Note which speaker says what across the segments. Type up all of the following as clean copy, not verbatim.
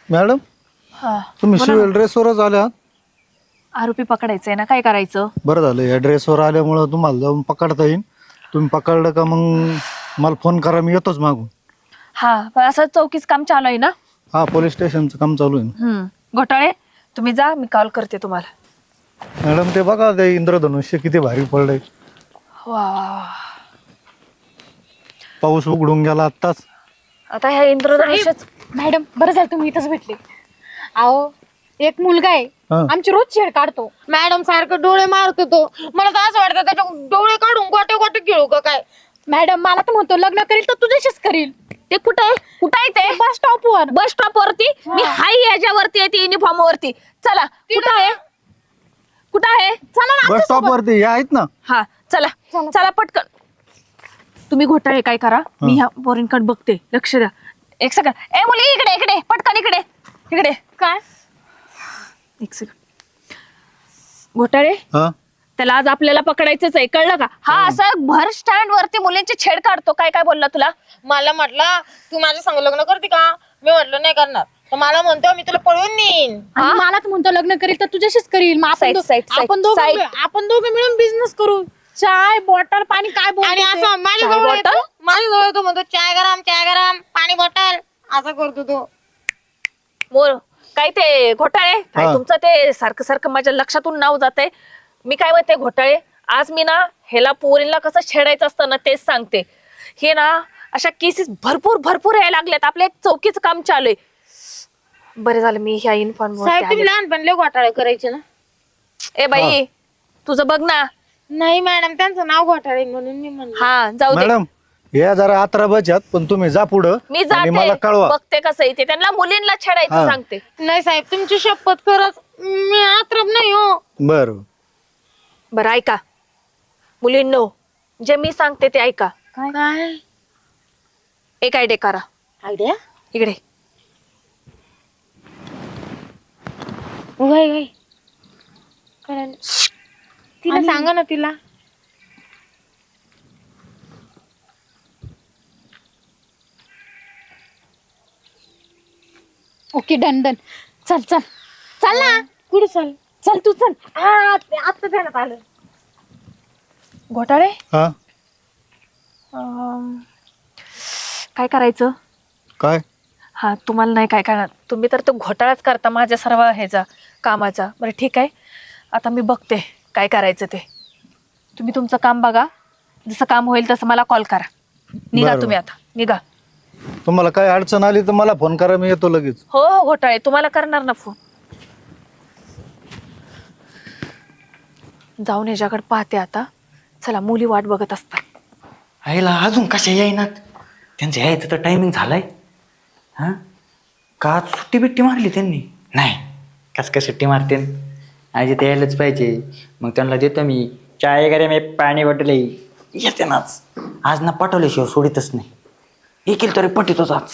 Speaker 1: Madam
Speaker 2: हा
Speaker 1: तुम्ही
Speaker 2: बोला
Speaker 1: सिव्हिल
Speaker 2: ना.
Speaker 1: ड्रेसवरच आल्या.
Speaker 2: आरोपी पकडायचंय ना, काय करायचं?
Speaker 1: बरं झालं या ड्रेसवर आल्यामुळं तुम्हाला जाऊन पकडता येईल. तुम्ही पकडलं का मग मला फोन करा, मी येतोच मागून.
Speaker 2: हा पण असं चौकीच काम चालू आहे ना?
Speaker 1: हा पोलीस स्टेशनचं काम चालू आहे.
Speaker 2: घोटाळे तुम्ही जा, मी कॉल करते तुम्हाला.
Speaker 1: मॅडम ते बघा ते इंद्रधनुष्य किती भारी पडलंय.
Speaker 2: वा वा वा.
Speaker 1: पाऊस उघडून गेला आत्ताच.
Speaker 2: आता ह्या इंद्रधनुष्यच.
Speaker 3: मॅडम बरं झालं तुम्ही इथंच भेटले. अहो एक मुलगा आहे,
Speaker 1: हा.
Speaker 3: आमची रोज छेड काढतो.
Speaker 4: मॅडम सारखं डोळे मारतो तो. मला तर असं वाटतं त्याच्या डोळे काढून गोटे गोटे खेळू का काय.
Speaker 3: मॅडम मला तर म्हणतो लग्न करील तर तुझ्याशीच करील.
Speaker 2: ते कुठे आहे? कुठे आहे ते?
Speaker 3: बस स्टॉपवर.
Speaker 2: बस स्टॉप वरती. मी हाय याच्यावरती आहे, ती युनिफॉर्म वरती. चला कुठं आहे? कुठं आहे? चला ना
Speaker 1: बस
Speaker 2: आमच्या
Speaker 1: स्टॉप
Speaker 2: सोबत.
Speaker 1: वरती या आहेत ना.
Speaker 2: हा चला चला पटकन. तुम्ही घोटाळे काय करा, मी ह्या पोरींकडे बघते, लक्ष द्या. एक सेकंड. ए मुली इकडे इकडे पटकन इकडे इकडे.
Speaker 3: काय
Speaker 2: एक सेकंड. घोटाळे
Speaker 1: हा
Speaker 2: त्याला आज आपल्याला पकडायचंच आहे, कळलं का? हा असं भर स्टँड वरती मुलींची छेड काढतो. काय काय बोलला तुला?
Speaker 4: मला म्हटलं तू माझ्या संग लग्न करते का. मी म्हटलं नाही करणार. तर मला म्हणतो मी तुला पळवून नेईन.
Speaker 3: आणि मला तर म्हणतो लग्न करील तर तुझ्याशीच करील. मग
Speaker 2: Side, side, side.
Speaker 3: आपण दोघे मिळून बिझनेस करू. चाय बॉटल पाणी काय
Speaker 4: आणि
Speaker 3: बोलतो
Speaker 4: असं माझ्या
Speaker 2: चाय
Speaker 4: जवळ येतो,
Speaker 2: बॉटल?
Speaker 4: माझ्या जवळ येतो म्हणतो चाय गरम पाणी बॉटल असं करतो तो.
Speaker 2: मोर काय ते घोटाळे काय
Speaker 1: हा.
Speaker 2: तुमचं ते सारखं सारखं माझ्या लक्षातून नाव जात आहे. मी काय म्हणते घोटाळे, आज मी ना ह्याला पोरींना कसं छेडायचं असतं ना तेच सांगते. हे ना अशा केसेस भरपूर भरपूर यायला लागल्यात. आपलं एक चौकीचं काम चालू आहे. बरं झालं मी ह्या इन्फॉर्म.
Speaker 4: साहेब तुम्ही लहानपणी लय घोटाळे करायचे ना.
Speaker 2: ए बाई तुझं बघ ना.
Speaker 4: नाही मॅडम त्यांचं नाव घोटाळे म्हणून मी म्हणलं.
Speaker 2: हा जाऊ दे.
Speaker 1: मॅडम या जरा आत्रा बचत, पण तुम्ही जा पुढं
Speaker 2: मी
Speaker 1: आणि
Speaker 2: जाते
Speaker 1: मला कळवा.
Speaker 2: बघते कसं येते. त्यांना मुलींना छेडायचं
Speaker 1: हा.
Speaker 2: सांगते.
Speaker 4: नाही साहेब तुमची शपथ खरंच मी आत्रप नाही हो.
Speaker 1: बरं
Speaker 2: बरं ऐका मुलींनो, जे मी सांगते ते ऐका.
Speaker 4: काय
Speaker 2: एक आयडिया करा.
Speaker 4: आयडिया
Speaker 2: इकडे
Speaker 4: उगाय गाय करायला तिला सांगा ना तिला.
Speaker 3: Okay done done. चल चल चल ना.
Speaker 4: कुठे चाल.
Speaker 3: चल तू चल.
Speaker 4: आता ध्यानात आलं.
Speaker 2: घोटाळे
Speaker 1: हा
Speaker 2: काय करायचं?
Speaker 1: काय
Speaker 2: हा तुम्हाला नाही काय करणार. तुम्ही तर तो घोटाळाच करता माझ्या सर्व ह्याचा कामाचा. बरं ठीक आहे, आता मी बघते काय करायचं ते. तुम्ही तुमचं काम बघा, जसं काम होईल तसं मला कॉल करा. निघा
Speaker 1: बरं.
Speaker 2: तुम्ही आता निघा.
Speaker 1: तुम्हाला काय अडचण आली तर मला फोन करा, मी येतो लगेच.
Speaker 2: हो हो घोटाळे तुम्हाला करणार ना फोन. जाऊन याच्याकडे पाहते आता. चला मुली वाट बघत असतात.
Speaker 5: आईला अजून कशा येईनात. त्यांचं यायचं तर टायमिंग झालाय. हा का आज सुट्टी बिट्टी मारली त्यांनी? नाही कस काय सुट्टी मारते. आज ते यायलाच पाहिजे. मग त्यांना देतो मी चाय वगैरे, मी पाणी वाटले येते नाच. आज ना पाठवल्याशिवाय सोडितच नाही. येईल तरी पटितोच आज.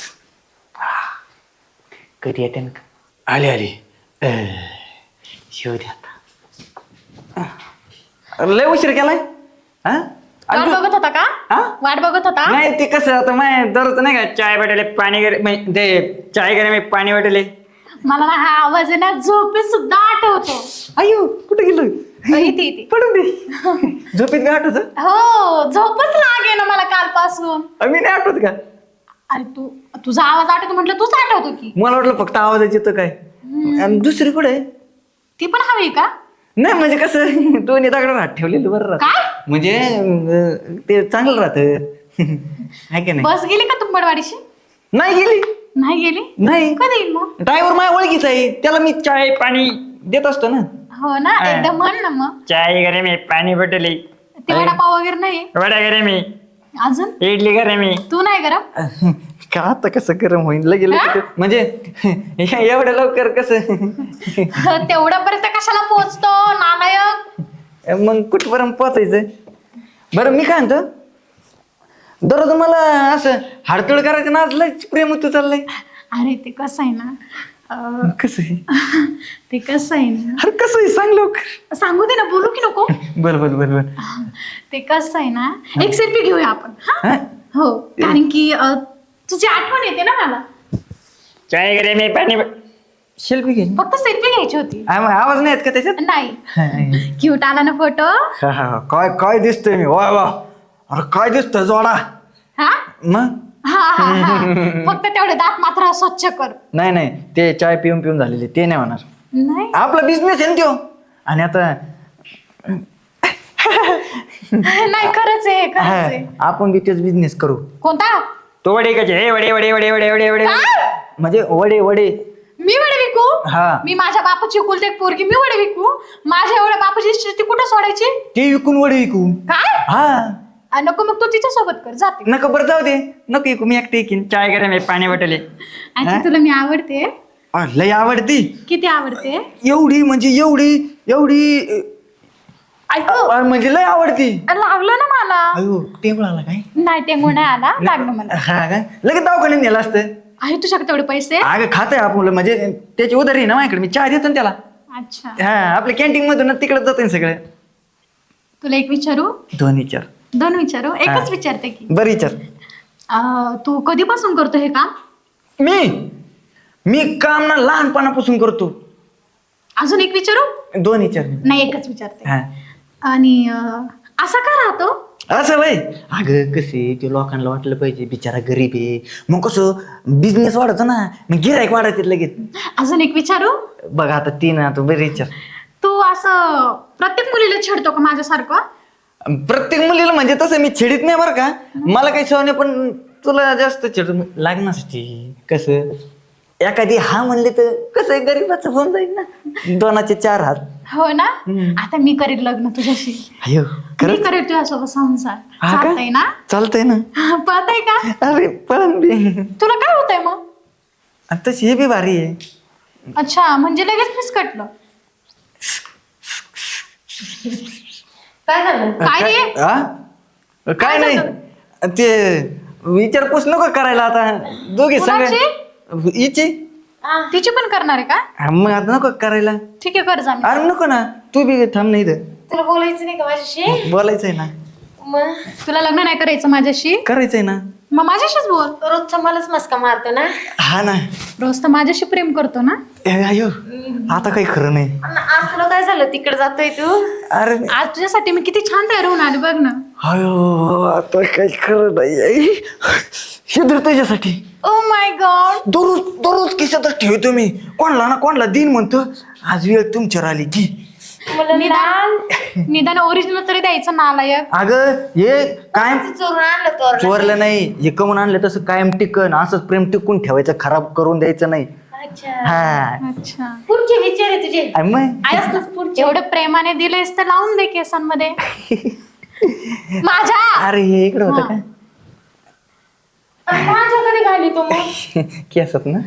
Speaker 5: कधी येते ना. आली आली शिव द्या आता. लय उशीर केलाय. हा
Speaker 3: वाट बघत होता का?
Speaker 5: हा?
Speaker 3: वाट बघत होता.
Speaker 5: नाही ते कसं आता माय दररोज नाही का चाय वाटले पाणी ते चाय करे मी पाणी वाटले.
Speaker 3: मला ना हा आवाज आहे ना झोपेत सुद्धा आठवतो.
Speaker 5: अयो कुठे गेलो.
Speaker 3: इथे इथे.
Speaker 5: पडून दे. झोपेत काय आठवत.
Speaker 3: हो झोपच लागे ना मला कालपासून.
Speaker 5: मी नाही आठवत का.
Speaker 3: अरे तू तुझा आवाज आठवतो म्हटलं तूच आठवतो की.
Speaker 5: मला वाटलं फक्त आवाजाच येतं काय. आणि दुसरी कुठे आहे?
Speaker 3: ती पण हवी का?
Speaker 5: नाही म्हणजे कसं दोन्ही दगडावर हात ठेवलेलं बरं राहत.
Speaker 3: काय?
Speaker 5: म्हणजे ते चांगलं राहत आहे की नाही.
Speaker 3: बस गेली का तुंबडवाडीशी?
Speaker 5: नाही गेली.
Speaker 3: नाही गेली.
Speaker 5: नाही
Speaker 3: कधी येईल मग?
Speaker 5: ड्रायव्हर माझ्या ओळखीचा आहे. त्याला मी चाय पाणी देत असतो ना.
Speaker 3: हो ना एकदम म्हण ना मग.
Speaker 5: चाय करे मी पाणी वाटले.
Speaker 3: ते वडापाव वगैरे नाही
Speaker 5: वडा करे मी
Speaker 3: अजून.
Speaker 5: इडली करे मी.
Speaker 3: तू नाही गरम.
Speaker 5: का आता कसं गरम होईल लगेच म्हणजे एवढं लवकर कसं.
Speaker 3: तेवढ्या पर्यंत कशाला पोहोचतो नालायक.
Speaker 5: मग कुठपर्यंत पोचायचं. बरं मी काय म्हणतो, दररोज मला असं हाडतोड करायचं ना. आज लय प्रेम होतं चाललंय.
Speaker 3: अरे ते कसं आहे ना
Speaker 5: कसं आहे.
Speaker 3: ते कसं आहे ना.
Speaker 5: अरे कसं आहे सांग लवकर.
Speaker 3: सांगू दे ना बोलू की नको.
Speaker 5: बर बर बर बर.
Speaker 3: ते कसं आहे ना एक सेल्फी घेऊया आपण. हा?
Speaker 5: हा?
Speaker 3: हो कारण की तुझी आठवण येते ना मला.
Speaker 5: चाय करे मी पाणी सेल्फी घे.
Speaker 3: फक्त सेल्फी घ्यायची होती.
Speaker 5: आवाज नाही येत का त्याच्यात?
Speaker 3: नाही. क्यूट आला ना फोटो.
Speaker 5: काय काय दिसतोय मी, वा वा, अरे काय दिसतोय जोडा.
Speaker 3: हा
Speaker 5: मग
Speaker 3: हा हा हा. फक्त तेवढे दात मात्र स्वच्छ कर.
Speaker 5: नाही नाही, ते चाय पिऊन पिऊन झालेले ते नाही होणार.
Speaker 3: नाही
Speaker 5: आपला बिझनेस आहे ना त्यो. आणि आता
Speaker 3: नाही खरंच आहे खरंच आहे.
Speaker 5: आपण बी तेच बिझनेस करू.
Speaker 3: कोणता?
Speaker 5: तो वडे कसे, हे वडे वडे वडे वडे वडे वडे
Speaker 3: काय?
Speaker 5: म्हणजे वडे वडे.
Speaker 3: मी वडे विकू?
Speaker 5: हा.
Speaker 3: मी माझ्या बापाची कुलते एक पोरगी, मी वडे विकू? माझ्या एवढ्या बापाची शेती कुठं सोडायची?
Speaker 5: ते विकून वडे विकू.
Speaker 3: काय?
Speaker 5: हा
Speaker 3: नको मग तू तिच्या सोबत कर, जाते.
Speaker 5: नको बरं जाऊ दे, नको विकू, मी एकटे विकीन. चाय गरम आहे, पाणी वाटले.
Speaker 3: अच्छा तुला मी आवडते?
Speaker 5: लय आवडती.
Speaker 3: किती आवडते?
Speaker 5: एवढी म्हणजे एवढी एवढी
Speaker 3: ऐकू
Speaker 5: म्हणजे लय आवडती.
Speaker 3: लागलं ना मला.
Speaker 5: अयो टेबल आला काय?
Speaker 3: नाही टेंगू नाही आला, लागलं मला.
Speaker 5: हा काय लगेच दवाखान्यात नेलं असतं.
Speaker 3: आहे तुझ्याकडे तेवढे पैसे?
Speaker 5: अगं खात आहे आपण, म्हणजे त्याची उधारी आहे ना माझ्याकडे, मी चहा देतो ना त्याला.
Speaker 3: अच्छा
Speaker 5: हा आपल्या कॅन्टीन मधून तिकडे जातो सगळं.
Speaker 3: तुला एक विचारू?
Speaker 5: दोन विचार.
Speaker 3: दोन विचारू? एकच विचारते की.
Speaker 5: बरं विचार.
Speaker 3: तू कधीपासून करतो हे काम?
Speaker 5: मी काम ना लहानपणापासून करतो.
Speaker 3: अजून एक विचारू?
Speaker 5: दोन विचार.
Speaker 3: नाही एकच विचारते.
Speaker 5: हा
Speaker 3: आणि असा का राहतो?
Speaker 5: असं वय, अगं कसे ते लोकांना वाटलं पाहिजे बिचारा गरीब आहे, मग कसं बिझनेस वाढतो ना, मग गिरायक वाढत लगेच.
Speaker 3: अजून एक विचारू?
Speaker 5: बघ आता तीन, आता बरे विचार.
Speaker 3: तू असं प्रत्येक मुलीला छेडतो का माझ्यासारखं?
Speaker 5: प्रत्येक मुलीला म्हणजे तसं मी छेडीत नाही बरं का, मला काही सवय नाही, पण तुला जास्त छेड लागण्यासाठी. कसं एखादी हा म्हणले तर कसं गरीबाचं होऊन जाईल ना, दोनाचे चार हात.
Speaker 3: हो ना. आता मी करीन लग्न तुझ्याशी.
Speaker 5: अयो
Speaker 3: मी करेल तुझ्यासोबत संसार.
Speaker 5: हा का?
Speaker 3: चालतंय ना?
Speaker 5: चालतंय ना.
Speaker 3: पळतय का?
Speaker 5: अरे पण बी
Speaker 3: तुला काय होतंय मग?
Speaker 5: तशी हे बी भारी आहे.
Speaker 3: अच्छा म्हणजे लगेच फिसकटलं.
Speaker 4: काय झालं?
Speaker 3: काय रे?
Speaker 5: हा? काय नाही ते विचारपूस नको करायला आता, दोघे
Speaker 3: कुणाची?
Speaker 5: सगळे हिची.
Speaker 3: तिची पण करणार आहे का?
Speaker 5: मग आता नको करायला.
Speaker 3: ठीक आहे कर जा.
Speaker 5: अरे नको ना, तू बी थांब नाही इथं.
Speaker 4: तुला बोलायचं नाही का माझ्याशी?
Speaker 5: बोलायचंय ना.
Speaker 4: मग
Speaker 3: तुला लग्न नाही करायचं माझ्याशी?
Speaker 5: करायचंय ना.
Speaker 3: मग माझ्याशीच बोल.
Speaker 4: रोजचा मलाच मस्का मारतो ना.
Speaker 5: हा ना.
Speaker 3: रोज तर माझ्याशी प्रेम करतो ना.
Speaker 5: अयो आता काही खरं नाही.
Speaker 4: आज तुला काय झालं, तिकडे जातोय तू?
Speaker 5: अरे
Speaker 3: आज तुझ्यासाठी मी किती छान तयार होऊन आले बघ ना.
Speaker 5: अयो आता काही खरं नाही. हे धर त्याच्यासाठी.
Speaker 3: Oh my God.
Speaker 5: दररोज दररोज खिशातच ठेवतो मी, कोणला ना कोणला दिन म्हणतो. आज वेळ तुमच्यावर आली की.
Speaker 3: निदान ओरिजिनल तरी द्यायचं नालायक.
Speaker 5: अगं हे कायम
Speaker 4: चोरून आणलं तो.
Speaker 5: चोरलं नाही, हे कमून आणलं तसं कायम टिकन, असंच प्रेम टिकून ठेवायचं, खराब करून द्यायचं नाही.
Speaker 4: अच्छा
Speaker 5: हा
Speaker 3: अच्छा
Speaker 4: पुढचे विचार आहे तुझे.
Speaker 5: आणि मग
Speaker 4: पुढचे.
Speaker 3: एवढं प्रेमाने दिलेस तर लावून दे केसांमध्ये. माझ्या
Speaker 5: अरे हे इकडं होतं का
Speaker 4: माझ्याकडे घाली तू मग.
Speaker 5: केसात ना.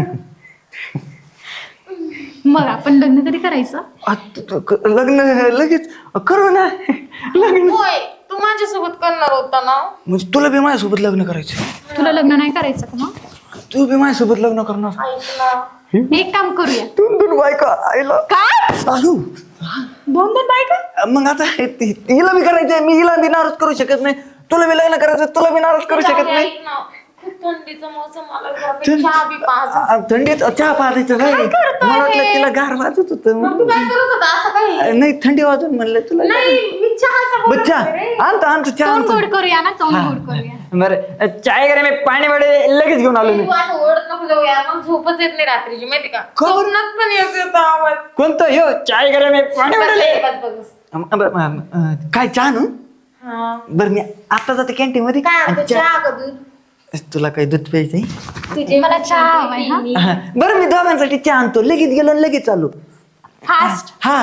Speaker 3: मग आपण लग्न कधी करायचं?
Speaker 5: लग्न लगेच करू ना. लग्न
Speaker 4: होय तू माझ्यासोबत करणार होता ना.
Speaker 5: म्हणजे तुला बी माझ्यासोबत लग्न करायचं?
Speaker 3: तुला लग्न नाही करायचं का मग?
Speaker 5: तू बी माझ्यासोबत लग्न करणार?
Speaker 4: ऐक ना.
Speaker 3: एक काम करूया.
Speaker 5: दोन दोन बायका आईला.
Speaker 3: काय?
Speaker 5: आयु
Speaker 3: दोन दोन बायका?
Speaker 5: मग आता हिला बी करायचंय, मी हिला बी नाराज करू शकत नाही. तुला बी लग्न करायचं, तुला बी नाराज करू शकत नाही.
Speaker 4: ऐक ना, खूप थंडीचा मौसम मला चहा बी पाज.
Speaker 5: थंडीत चहा पाहायचं नाही. मला वाटलं तिला गार वाजत होत.
Speaker 4: तू काय करत होता असं काही?
Speaker 5: नाही थंडी वाजून म्हणलं तुला.
Speaker 4: नाही मी चहाचा बोलत
Speaker 5: बच्चा
Speaker 4: होते रे.
Speaker 5: आणतो आणतो चहा
Speaker 3: तोंड
Speaker 5: आणतो.
Speaker 3: गोड करूया ना, तोंड गोड करूया.
Speaker 5: बरं चाय करे मी पाणी वडे लगेच घेऊन आलो मी.
Speaker 4: तू असं ओढत नको जाऊ यार, मग झोपच येत नाही रात्रीची माहिती का?
Speaker 5: का बरं?
Speaker 4: स्वप्नात पण येतो आवाज.
Speaker 5: कोणतं यो चाय करे मी पाणी वडे.
Speaker 4: बस.
Speaker 5: काय चहा ना.
Speaker 4: हा.
Speaker 5: बरं मी आता जाते कॅन्टीन मध्ये.
Speaker 4: काय आणतो,
Speaker 5: आणि चहा-
Speaker 4: चहा का दूध?
Speaker 5: तुला काही दूध प्यायचंय?
Speaker 4: तुझे
Speaker 3: मला चहा हवाय, हा?
Speaker 5: हा. बरं मी दोघांसाठी चहा आणतो, लगेच गेलो आणि लगेच चालू.
Speaker 3: फास्ट.
Speaker 5: हा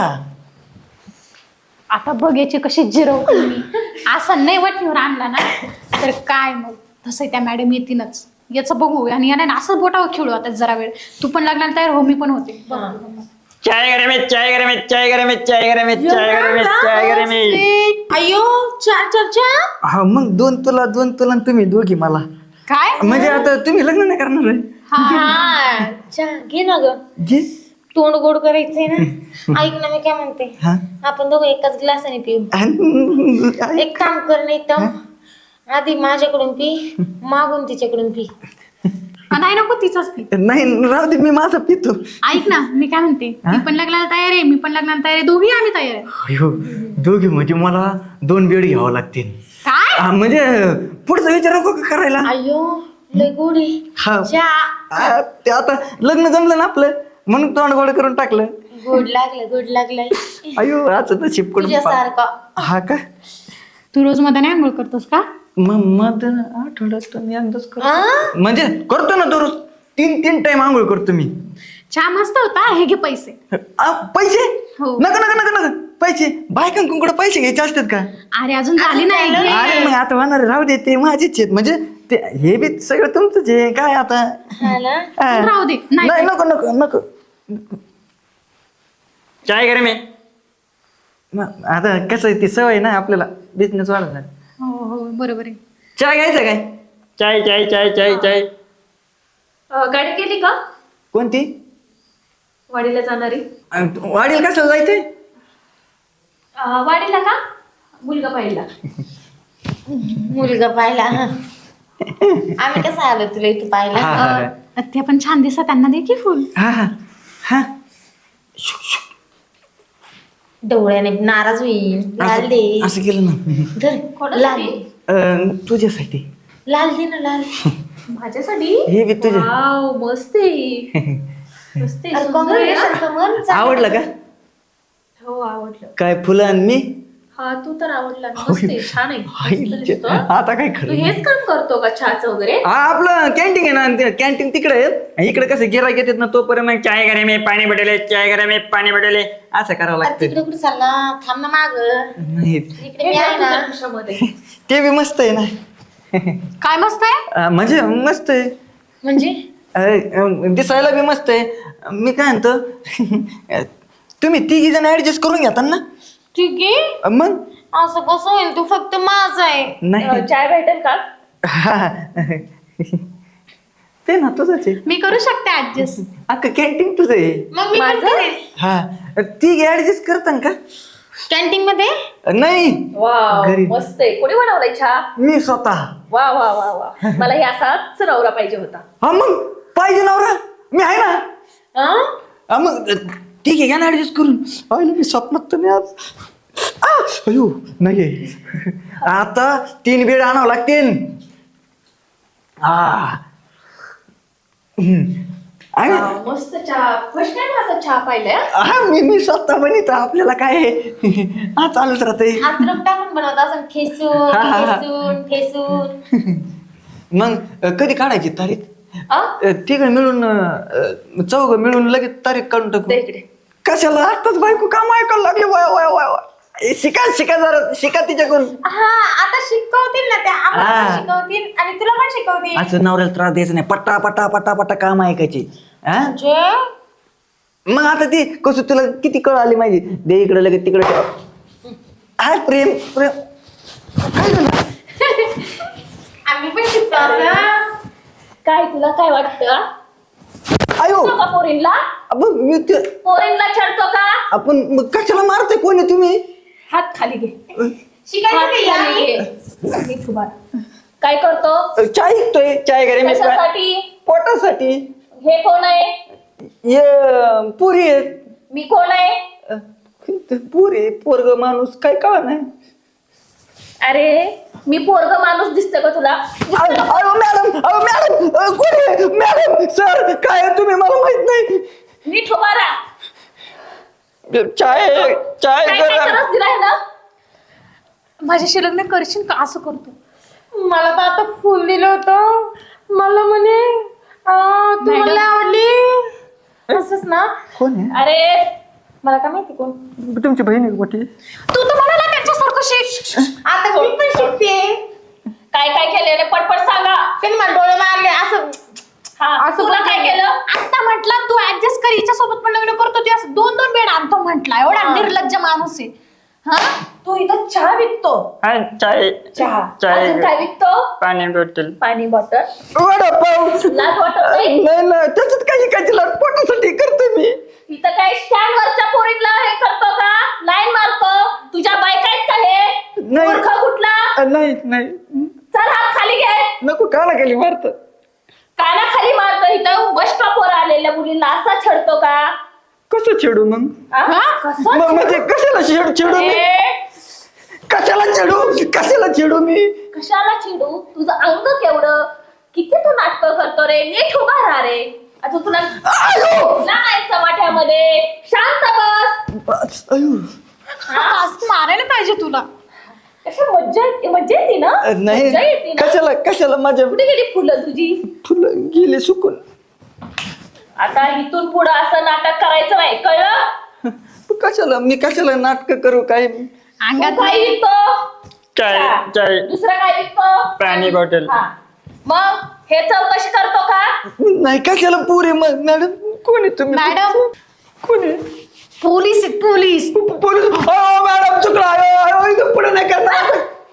Speaker 3: आता बघ याची कशी जिरवतो मी. असं नाही वटणीवर आणला ना तर काय मग तसं त्या मॅडम येतीलच. याचं बघू आणि याने असं बोटावर खेळू आता जरा वेळ. तू पण लागणार तयार हो, मी पण होते.
Speaker 5: चाय करे मी चाय करे मी चाय करे मी चाय करे मी चाय करे मी चाय करे मी.
Speaker 4: अयो चार चार चहा.
Speaker 5: हा मग दोन तुला आणि तुम्ही दोघी मला.
Speaker 3: काय?
Speaker 5: म्हणजे आता तुम्ही लग्न नाही करणार आहे?
Speaker 4: हा चहा घे ना ग.
Speaker 5: जे
Speaker 4: तोंड गोड करायचंय ना. ऐक ना मी काय म्हणते,
Speaker 5: हा
Speaker 4: आपण दोघं एकाच ग्लासाने पिऊ. एक काम कर, नाही तर आधी माझ्याकडून पी, मागून तिच्याकडून पी.
Speaker 3: नाही नको तिचाच ती.
Speaker 5: नाही राहू दे, मी माझा पितो.
Speaker 3: ऐक ना मी काय म्हणते, मी पण लग्नाला तयार आहे, मी पण लग्नाला तयार आहे, दोघी आम्ही तयार आहे.
Speaker 5: अयो दोघी म्हणजे मला 2 बेड घ्यावं लागतील.
Speaker 3: काय
Speaker 5: म्हणजे पुढचा विचार नको का करायला.
Speaker 4: अयो लय गोडी
Speaker 5: हा ते आता लग्न जमलं ना आपलं म्हणून तोंड गोड करून टाकलं.
Speaker 4: गोड लागलंय
Speaker 5: अयो आज नशीब कडून
Speaker 4: तुझ्यासारखं.
Speaker 5: हा का
Speaker 3: तू रोज मध्ये आंघोळ करतोस का?
Speaker 5: मग आठवड्यातून एकदाच करतो. म्हणजे करतो ना दररोज 3 टाइम आंघोळ करतो मी.
Speaker 3: चहा मस्त होता, हे घे पैसे.
Speaker 5: पैसे
Speaker 3: हो.
Speaker 5: नका नका नका नका पैसे. बायकांकडे पैसे घ्यायचे असतात का?
Speaker 3: अरे अजून झाली नाही घे.
Speaker 5: अरे मग आता होणार राहू दे, ते माझेच आहेत. म्हणजे ते हे बी सगळं तुमचंच आहे काय आता.
Speaker 4: हा ना.
Speaker 5: हा.
Speaker 3: राहू दे. नाही.
Speaker 5: नाही नको नको नको. चाय करे मी आता कसं आहे ती सवय ना आपल्याला बिझनेस वाढवणार.
Speaker 3: हो हो बरोबर आहे.
Speaker 5: चाय घ्यायचं काय? चाय चाय चाय चाय चाय.
Speaker 2: गाडी केली का
Speaker 5: कोणती?
Speaker 2: वाडीला जाणारी?
Speaker 5: वाढील कसं जायचंय?
Speaker 2: वाडीला का? मुलगा पाहिला.
Speaker 4: मुलगा पाहिला. आम्ही कसं आलो तुला इथे पाहिला?
Speaker 5: हा, हा.
Speaker 3: ते पण छान दिसत, त्यांना दे की फुल.
Speaker 5: हा हा हा.
Speaker 4: डोळ्याने नाराज होईल. लाल दे.
Speaker 5: असं केलं ना.
Speaker 4: धर लाल दे.
Speaker 5: तुझ्यासाठी.
Speaker 4: लाल दे ना लाल.
Speaker 2: माझ्यासाठी?
Speaker 5: हे बी तुझ्या.
Speaker 2: वाव मस्त आहे. मस्त आहे,
Speaker 4: अरे
Speaker 2: सुंदर आहे हा.
Speaker 4: congratulations कमल. चांगलं.
Speaker 5: आवडलं का?
Speaker 2: हो आवडलं.
Speaker 5: काय फुलं आणि मी
Speaker 2: हा तू तर आवडला. मस्त आहे, छान आहे, मस्त दिसतो.
Speaker 5: आता काय
Speaker 2: तू
Speaker 5: खरं.
Speaker 2: हेच काम करतो का चहाचं वगैरे?
Speaker 5: हा आपलं कॅन्टीन आहे ना, कॅन्टीन तिकडे आहे. इकडे कसं गिराईक येतात ना तोपर्यंत मग चाय करे मी पाणी बटेले, चाय करे मी पाणी बटेले असं करावं
Speaker 4: अरे
Speaker 5: लागतं.
Speaker 4: तिकडे कुठे चालला? थांब ना माग.
Speaker 5: नाही
Speaker 4: इकडे
Speaker 2: हे
Speaker 4: मी आहे
Speaker 2: बघ तुझ्या
Speaker 4: ना.
Speaker 2: खिशामध्ये.
Speaker 5: ते बी मस्त आहे ना.
Speaker 3: काय मस्त आहे?
Speaker 5: म्हणजे मस्त आहे.
Speaker 4: म्हणजे
Speaker 5: दिसायला बी मस्त आहे. मी काय म्हणतो तुम्ही 3 जण ऍडजस्ट करून घेता ना?
Speaker 4: ठीक आहे.
Speaker 5: मग
Speaker 4: असं कसं होईल? तू फक्त माझा आहे.
Speaker 5: नाही
Speaker 2: चाय भेटेल का?
Speaker 5: हा. ते ना तुझंच आहे.
Speaker 3: मी करू शकते ऍडजस्ट.
Speaker 5: अख्खं कॅन्टीन तुझं आहे.
Speaker 4: मग मी पण
Speaker 2: माझं?
Speaker 4: करेन.
Speaker 5: हा 3 ऍडजस्ट करता का?
Speaker 4: कॅन्टीन मध्ये
Speaker 5: नाही
Speaker 2: वाव
Speaker 5: घरी.
Speaker 2: मस्त आहे. कोणी बनवलाय चहा?
Speaker 5: मी स्वतः.
Speaker 2: वा वा वा वा. मला हे असाच नवरा पाहिजे होता.
Speaker 5: हा मग पाहिजे नवरा मी आहे ना.
Speaker 4: हं?
Speaker 5: हा मग ठीक आहे घ्या ना ऍडजस्ट करून. पाहिलं मी स्वप्नात तर मी आज अयो नाही आता 3 बेड आणावं लागतील. हा
Speaker 2: वाव, मस्त चहा. फर्स्ट टाइम असा चहा पाहिलाय.
Speaker 5: हा मी स्वतः बनित. आपल्याला काय आहे? हा चालूच राहते.
Speaker 4: अद्रक टाकून बनवत असं ठेसून
Speaker 5: हा, हा, हा.
Speaker 4: ठेसून ठेसून.
Speaker 5: मग कधी काढायची तारीख?
Speaker 2: आ?
Speaker 5: तिघं मिळून 4 मिळून लगेच तारीख काढून टाकू.
Speaker 2: दे इकडे.
Speaker 5: कशाला आताच बायको काम ऐकायला लागली. वय वय वय वय. शिका शिका जरा शिका तिच्याकडून.
Speaker 4: हा आता शिकवतील ना त्या आम्हाला
Speaker 5: हा.
Speaker 4: पण शिकवतील आणि तुला पण शिकवतील.
Speaker 5: असं नवऱ्याला त्रास द्यायचा नाही. पट्टा पट्टा पट्टा पट्टा काम ऐकायची. हा
Speaker 4: म्हणजे
Speaker 5: मग आता ती कसं तुला किती कळ आली माहिती. दे इकडे लगेच तिकडे. हा प्रेम प्रेम काय झालं?
Speaker 4: आम्ही पण शिकतो असं.
Speaker 2: काय तुला काय वाटतं?
Speaker 5: आयो
Speaker 2: का पोरींला? पोरींला छळतो का?
Speaker 5: आपण मग कशाला मारते कोणी तुम्ही?
Speaker 2: हात खाली घे.
Speaker 4: शिकायचं
Speaker 2: हात
Speaker 4: नाही
Speaker 2: खाली
Speaker 4: यार.
Speaker 2: घे. नीट उभा राहा. काय करतो?
Speaker 5: चाय ऐकतोय. चाय घरी मी
Speaker 2: कशासाठी?
Speaker 5: पोटासाठी.
Speaker 2: हे कोण आहे?
Speaker 5: ये पुरी आहेत.
Speaker 2: मी कोण आहे?
Speaker 5: पुरी पोरग माणूस काय कळा नाही.
Speaker 2: अरे मी पोरग माणूस दिसतो का तुला?
Speaker 5: अहो मॅडम अहो मॅडम कोणी मॅडम सर काय तुम्ही मला माहित नाही.
Speaker 2: नीट उभा राहा.
Speaker 5: चाय चाय
Speaker 2: काय काय त्रास दिलाय ना?
Speaker 3: माझ्याशी लग्न करशील का? असं करतो.
Speaker 4: मला तर आता फुल दिलं होतं. मला म्हणे तू
Speaker 3: मॅडम.
Speaker 4: मला आवडली असंच ना.
Speaker 5: कोण आहे?
Speaker 2: अरे
Speaker 4: मला काय माहिती कोण.
Speaker 5: तुमची बहीण आहे मोठी.
Speaker 3: तू तर म्हणाला त्यांच्यासारखं शिक.
Speaker 4: आता मी पण शिकते.
Speaker 2: काय काय केलेलं पटपट सांगा.
Speaker 4: त्यांनी मला डोळे मारले असं.
Speaker 2: हा
Speaker 4: असं
Speaker 2: तुला काय
Speaker 4: बोलते.
Speaker 2: केलं?
Speaker 3: आता म्हटलं तू ऍडजस्ट कर, हिच्या सोबत पण लग्न करतो. ती असं 2-2 बेड आणतो म्हटला. एवढा निर्लज्ज माणूस आहे. हा
Speaker 2: तू इथं चहा विकतो.
Speaker 5: चाय
Speaker 2: चहा
Speaker 5: चाय.
Speaker 2: अजून काय विकतो?
Speaker 5: पाणी बॉटल.
Speaker 2: पाणी बॉटल.
Speaker 5: वडापाव.
Speaker 2: लाज वाटत नाही?
Speaker 5: नाही ना त्याच्यात काही काही लाट पोटासाठी करते मी.
Speaker 2: इथं काय स्टँड वरच्या पोरींना हे करतो का? लाईन मारतो? तुझ्या बायका आहेत का हे?
Speaker 5: नाही.
Speaker 2: मूर्ख कुठला?
Speaker 5: नाही नाही
Speaker 2: चल हात खाली घे.
Speaker 5: नको काला केली मारत.
Speaker 2: कानाखाली मारतो इथं बस स्टॉपवर आलेल्या मुलींना असा छेडतो का?
Speaker 5: कसं छेडू मग?
Speaker 2: हा? कसं
Speaker 5: म्हणजे कशाला छेडू मी?
Speaker 2: ए,
Speaker 5: कशाला छेडू मी?
Speaker 2: कशाला चिडू? तुझं अंग केवढं, किती तू नाटक करतो रे, नीट उभा राहा रे. आता तुला नाही वाट्यामध्ये शांत बस.
Speaker 3: असं मारायला पाहिजे तुला.
Speaker 2: कशा मज्जा येते ना,
Speaker 5: नाही
Speaker 2: मज्जा येते ना.
Speaker 5: कशाला माझ्या
Speaker 2: कुठे गेली फुलं तुझी?
Speaker 5: फुलं गेले सुकून.
Speaker 2: आता इथून पुढं असं नाटक करायचं नाही, कळलं?
Speaker 5: मी कशाला नाटक करू? काय
Speaker 3: अंगात
Speaker 2: तू काय विकतो?
Speaker 5: चाय
Speaker 2: दुसरं काय विकतो?
Speaker 5: पाणी बॉटल.
Speaker 2: हा. मग हे चौकशी करतो का?
Speaker 5: नाही कशाला पुरे मग मॅडम कोणी तुम्ही?
Speaker 3: मॅडम
Speaker 5: कोणी?
Speaker 3: पोलीस आहेत, पोलीस.
Speaker 5: पोलीस. मॅडम चुकला. इथं पुढे नाही करणार.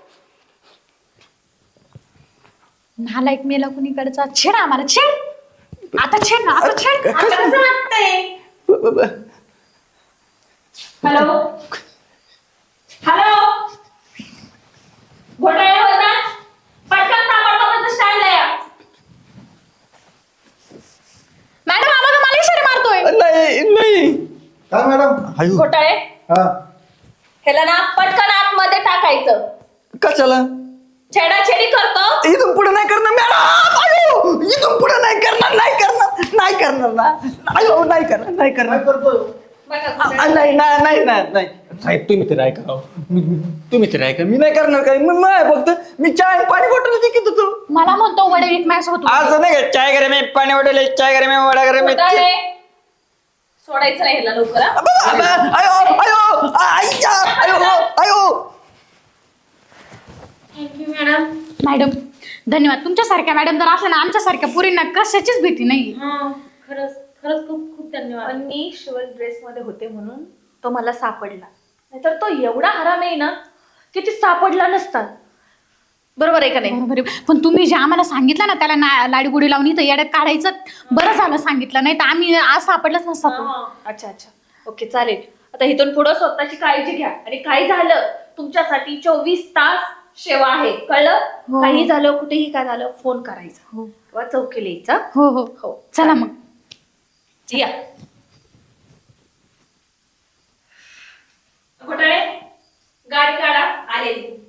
Speaker 3: नालायक मेला कुणीकडचा. छेड आम्हाला, छेड. आता छेड ना, आता छेड. आता कसं वाटतंय?
Speaker 2: हॅलो हॅलो, घोटाळे बोलतात, पटकन ताबडतोब स्टँडला या.
Speaker 3: मॅडम आम्हाला मला इशारे मारतोय.
Speaker 5: नाही
Speaker 1: काय मॅडम?
Speaker 2: घोटाळे,
Speaker 1: हा
Speaker 2: ह्याला ना पटकन आतमध्ये टाकायचं.
Speaker 5: कशाला?
Speaker 2: छेडाछेडी करतो.
Speaker 5: इथून पुढे नाही करणार मॅडम. इथून पुढे नाही करणार ना. नाही करणार.
Speaker 1: काय करतोय?
Speaker 2: बघा घोटाळे.
Speaker 5: नाही साहेब तुम्ही तर ऐका राव. तुम्ही तर ऐका. मी नाही करणार काय. फक्त मी चाय पाणी बॉटल विकत होतो.
Speaker 3: मला म्हणतो वडे विक माझ्यासोबत.
Speaker 5: असं नाही का चाय करे मी पाणी बॉटल चाय करे मी वडा करे मी.
Speaker 2: घोटाळे, सोडायचं नाही ह्याला लवकर हा?
Speaker 5: आयो
Speaker 3: मॅडम धन्यवाद. तुमच्यासारख्या मॅडम जर असल्या ना आमच्यासारख्या पुरींना कशाचीच भीती नाही.
Speaker 2: खरंच खरंच खूप खूप धन्यवाद. पण मी शिवल ड्रेस मध्ये होते म्हणून तो मला सापडला, नाहीतर तो एवढा हराम आहे ना की ते सापडला नसतात. बरोबर आहे का नाही?
Speaker 3: बरोबर आहे. पण तुम्ही जे आम्हाला सांगितलं ना त्याला लाडीगुडी लावून इथं येड्यात काढायचं, बरं झालं सांगितलं, नाही तर आम्ही आज सापडलंच नसतं.
Speaker 2: अच्छा अच्छा, ओके चालेल. आता इथून पुढे स्वतःची काळजी घ्या, आणि काही झालं तुमच्यासाठी 24 तास सेवा आहे, कळलं?
Speaker 3: हो.
Speaker 2: काही झालं, कुठेही काय झालं, फोन करायचा
Speaker 3: हो
Speaker 2: किंवा चौकीला यायचा.
Speaker 3: हो हो
Speaker 2: हो
Speaker 3: चला मग.
Speaker 2: या घोटाळे, गाडी काढा, आलेली.